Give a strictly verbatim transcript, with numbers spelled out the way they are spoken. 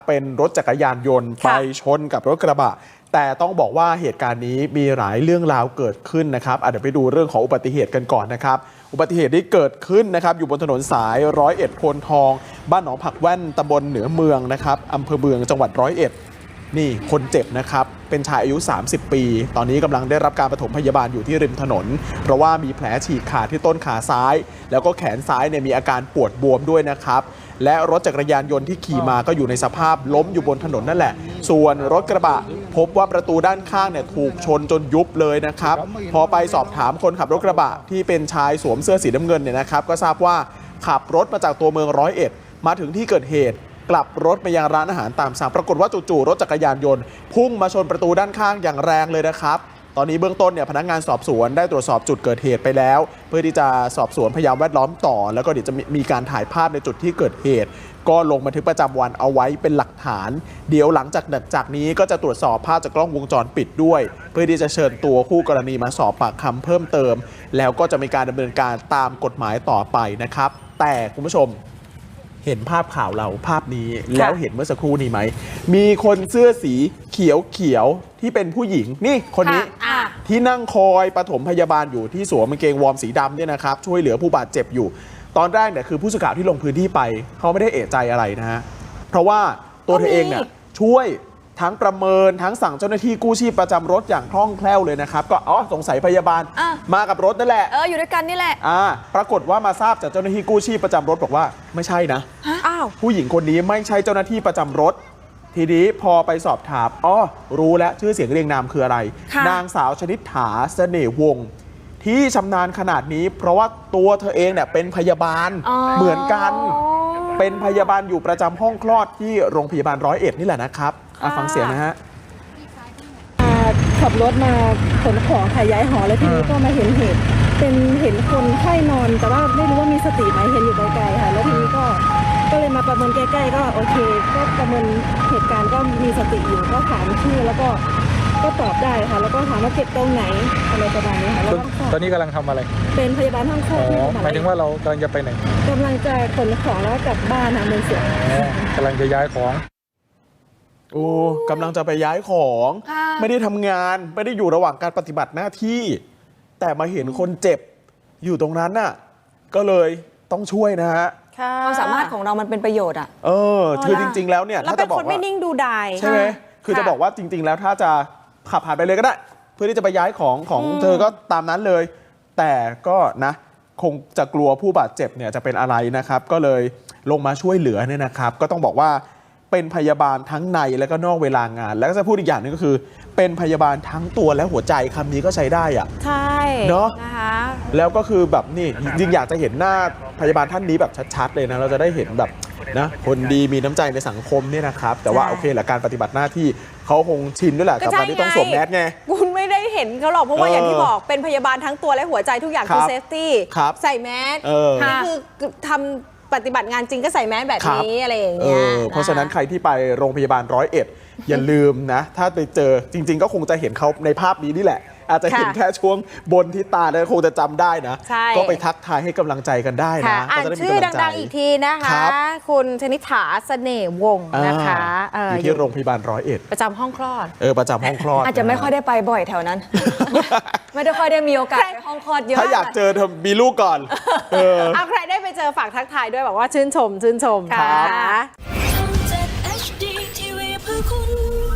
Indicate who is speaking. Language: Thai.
Speaker 1: เป็นรถจักรยานยนต์ไปชนกับรถกระบะแต่ต้องบอกว่าเหตุการณ์นี้มีหลายเรื่องราวเกิดขึ้นนะครับเดี๋ยวไปดูเรื่องของอุบัติเหตุกันก่อนนะครับอุบัติเหตุที่เกิดขึ้นนะครับอยู่บนถนนสายร้อยเอ็ดโพนทองบ้านหนองผักแว่นตำบลเหนือเมืองนะครับอำเภอเมืองจังหวัดร้อยเอ็ดนี่คนเจ็บนะครับเป็นชายอายุสามสิบปีตอนนี้กำลังได้รับการปฐมพยาบาลอยู่ที่ริมถนนเพราะว่ามีแผลฉีกขาดที่ต้นขาซ้ายแล้วก็แขนซ้ายเนี่ยมีอาการปวดบวมด้วยนะครับและรถจักรยานยนต์ที่ขี่มาก็อยู่ในสภาพล้มอยู่บนถนนนั่นแหละส่วนรถกระบะพบว่าประตูด้านข้างเนี่ยถูกชนจนยุบเลยนะครับพอไปสอบถามคนขับรถกระบะที่เป็นชายสวมเสื้อสีน้ำเงินเนี่ยนะครับก็ทราบว่าขับรถมาจากตัวเมืองร้อยเอ็ดมาถึงที่เกิดเหตุกลับรถไปยังร้านอาหารตามสั่งปรากฏว่าจู่ๆรถจักรยานยนต์พุ่งมาชนประตูด้านข้างอย่างแรงเลยนะครับตอนนี้เบื้องต้นเนี่ยพนักงานสอบสวนได้ตรวจสอบจุดเกิดเหตุไปแล้วเพื่อที่จะสอบสวนพยานแวดล้อมต่อแล้วก็เดี๋ยวจะมีการถ่ายภาพในจุดที่เกิดเหตุก็ลงบันทึกประจำวันเอาไว้เป็นหลักฐานเดี๋ยวหลังจากจากนี้ก็จะตรวจสอบภาพจากกล้องวงจรปิดด้วยเพื่อที่จะเชิญตัวคู่กรณีมาสอบปากคำเพิ่มเติมแล้วก็จะมีการดำเนินการตามกฎหมายต่อไปนะครับแต่คุณผู้ชมเห็นภาพข่าวเราภาพนี้แล้วเห็นเมื่อสักครู่นี้ไหมมีคนเสื้อสีเขียวเขียวที่เป็นผู้หญิงนี่คนนี้ที่นั่งคอยปฐมพยาบาลอยู่ที่สวมกางเกงวอร์มสีดำเนี่ยนะครับช่วยเหลือผู้บาดเจ็บอยู่ตอนแรกเนี่ยคือผู้สื่อข่าวที่ลงพื้นที่ไปเขาไม่ได้เอะใจอะไรนะฮะเพราะว่าตัวเธอเองเนี่ยช่วยทั้งประเมินทั้งสั่งเจ้าหน้าที่กู้ชีพประจำรถอย่างคล่องแคล่วเลยนะครับก็อ๋อสงสัยพยาบาลมากับรถนั่นแหละ
Speaker 2: เอออยู่ด้วยกันนี่แหละ
Speaker 1: อ่าปรากฏว่ามาทราบจากเจ้าหน้าที่กู้ชีพประจำรถบอกว่าไม่ใช่นะ
Speaker 2: อ้าว
Speaker 1: ผู้หญิงคนนี้ไม่ใช่เจ้าหน้าที่ประจำรถทีนี้พอไปสอบถามอ๋อรู้แล้วชื่อเสียงเรียงนามคืออะไรนางสาวชนิษฐาเสน่ห์วงศ์ที่ชำนาญขนาดนี้เพราะว่าตัวเธอเองเนี่ยเป็นพยาบาลเหมือนกันเป็นพยาบาลอยู่ประจำห้องคลอดที่โรงพยาบาลร้อยเอ็ดนี่แหละนะครับฟังเสียงนะฮะ
Speaker 3: ขับรถมาขนของขายย้ายหอแล้วทีนี้ก็มาเห็นเหตุเป็นเห็นคนไข้นอนแต่ว่าไม่รู้ว่ามีสติไหมเห็นอยู่ไกลๆค่ะแล้วทีนี้ก็ก็เลยมาประเมินใกล้ๆก็โอเคก็ประเมินเหตุการณ์ก็มีสติอยู่ก็ถามชื่อแล้วก็ก็ตอบได้ค่ะแล้วก็ถามว่าเจ็บตรงไหนอะไรประมาณนี้ค่ะแล้ว
Speaker 4: ตอนนี้กำลังทำอะไร
Speaker 3: เป็นพยาบาลห้องคลอดที่
Speaker 4: หมายถึงว่าเรากำลังจะไปไหน
Speaker 3: กำลังจะขนของแล้วกลับบ้านค่ะเมืองเสีย
Speaker 4: กำลังจะย้ายของ
Speaker 1: โอ้กำลังจะไปย้ายของไม่ได้ทำงานไม่ได้อยู่ระหว่างการปฏิบัติหน้าที่แต่มาเห็นคนเจ็บอยู่ตรงนั้นน่ะก็เลยต้องช่วยนะฮะ
Speaker 2: ความสามารถของเรามันเป็นประโยชน์อ่ะ
Speaker 1: เออคือจริงๆแล้วเนี่ย
Speaker 2: ถ้าจะบอกว่าไม่นิ่งดูดาย
Speaker 1: ใช่ไหมคือจะบอกว่าจริงๆแล้วถ้าจะขับผ่านไปเลยก็ได้เพื่อที่จะไปย้ายของของเธอก็ตามนั้นเลยแต่ก็นะคงจะกลัวผู้บาดเจ็บเนี่ยจะเป็นอะไรนะครับก็เลยลงมาช่วยเหลือเนี่ยนะครับก็ต้องบอกว่าเป็นพยาบาลทั้งในและก็นอกเวลางานแล้วก็จะพูดอีกอย่างนึงก็คือเป็นพยาบาลทั้งตัวและหัวใจคำนี้ก็ใช้ได้อะ
Speaker 2: ใช่
Speaker 1: เนาะ
Speaker 2: นะคะ
Speaker 1: แล้วก็คือแบบนี่จริงอยากจะเห็นหน้าพยาบาลท่านนี้แบบชัดๆเลยนะเราจะได้เห็นแบบนะคนดีมีน้ำใจในสังคมเนี่ยนะครับแต่ว่าโอเคแหละการปฏิบัติหน้าที่เขาคงชินด้วยแหละกับการที่ต้องสวมแมสไง
Speaker 2: คุณไม่ได้เห็นเขาหรอกเพราะว่าอย่างที่บอกเป็นพยาบาลทั้งตัวและหัวใจทุกอย่างคือเซฟตี้ใส่แมสนี่คือทำปฏิบัติงานจริงก็ใส่แมสแบบนี้อะไรอย่างเงี้ย
Speaker 1: เพราะฉะนั้นใครที่ไปโรงพยาบาลร้อยเอ็ดอย่าลืมนะถ้าไปเจอจริงๆก็คงจะเห็นเขาในภาพนี้นี่แหละอาจจะเห็นแค่ช่วงบนที่ตาแล้วคงจะจำได้นะก็ไปทักทายให้กำลังใจกันได้นะ
Speaker 2: อ่านชื่อดังๆอีกทีนะคะคุณชนิษฐาเสน่ห์วงศ์นะคะ
Speaker 1: อยู่ที่โรงพยาบาลร้อยเอ็ด
Speaker 2: ประจำห้องคลอด
Speaker 1: เออประจำห้องคลอด
Speaker 2: อาจจะไม่ค่อยได้ไปบ่อยแถวนั้นไม่ได้ค่อยได้มีโอกาสไปห้องคลอดเยอะ
Speaker 1: ถ้าอยากเจอเธอมีลูกก่อน
Speaker 2: เอาใครได้ไปเจอฝากทักทายด้วยบอกว่าชื่นชมชื่นชมค่ะ